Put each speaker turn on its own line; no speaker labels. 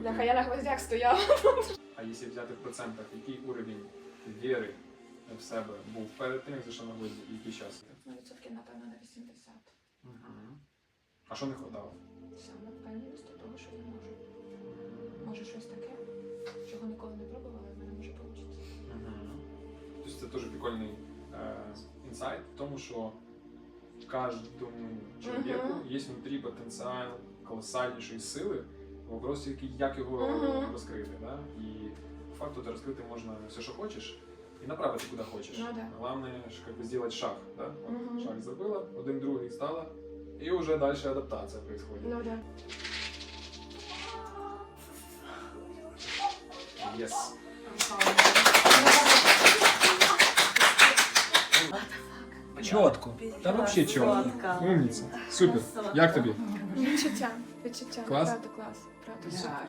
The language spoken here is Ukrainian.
Бляха, я на гвоздях стояла.
А якщо взяти в процентах, який уровень віри в себе був перед тим, як зайшов на гвозді, і який час?
Ну, відсотків, напевно, на 80.
А що не хватало?
Саме впевненість до того, що я можу. Може щось таке, чого ніколи не пробувала, в мене може вийти.
Тобто це теж прикольний інсайт в тому, що кожному чоловіку є внутрі потенціал колосальнішої сили, вопрос, як його розкрити. Да? І по факту ти розкрити можна все, що хочеш, і направити куди хочеш.
Ну, да.
Головне, як би зробити шаг. Да? От, шаг зробила, один другий стала, і вже далі адаптація відбувається.
Ну да.
Yes. Чітко. Та взагалі чітко. Умниця. Супер. Як тобі?
Відчуття.
Клас?
Правда клас. Правда.